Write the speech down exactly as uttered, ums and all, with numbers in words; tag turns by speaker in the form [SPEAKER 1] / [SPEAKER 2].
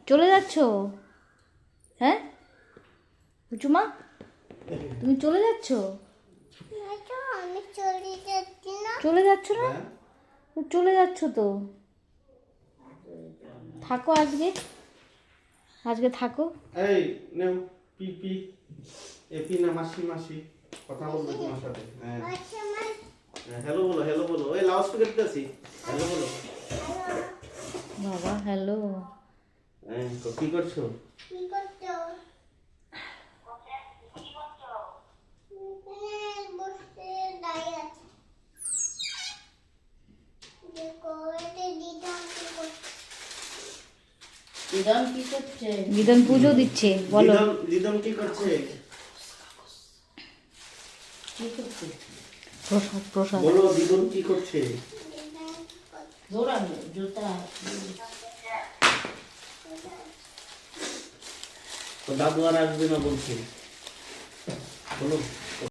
[SPEAKER 1] চলে যাচ্ছ? হ্যাঁ পুচুমা, তুমি চলে যাচ্ছ?
[SPEAKER 2] আমি চলে যাচ্ছি না।
[SPEAKER 1] চলে যাচ্ছ না? চলে যাচ্ছ তো। থাকো আজকে, আজকে থাকো।
[SPEAKER 3] এই নেও পি পি এ পি না মাসি মাসি কথা বলবে তোমার সাথে। হ্যাঁ
[SPEAKER 2] আচ্ছা মা,
[SPEAKER 3] হ্যালো বলো, হ্যালো বলো। ওই লাউড স্পিকার দিতেছি, হ্যালো বলো।
[SPEAKER 1] বাবা হ্যালো।
[SPEAKER 3] হ্যাঁ তো কি করছো?
[SPEAKER 2] কি করছো? এখানে বসে দাঁড়িয়ে আছি। দেখো, এতে দিদাম কি করছে?
[SPEAKER 4] দিদাম কি করছে?
[SPEAKER 1] বিধান পুজো দিচ্ছে, বলো।
[SPEAKER 3] দিদম দিদম কি করছে?
[SPEAKER 4] কি করছে?
[SPEAKER 1] প্রসাদ প্রসাদ।
[SPEAKER 3] বলো দিদম কি করছে?
[SPEAKER 2] দিদাম কি করছে?
[SPEAKER 4] দৌড়ানো জুতা।
[SPEAKER 3] তো দাদু আর আসবে না বলছে, বলো।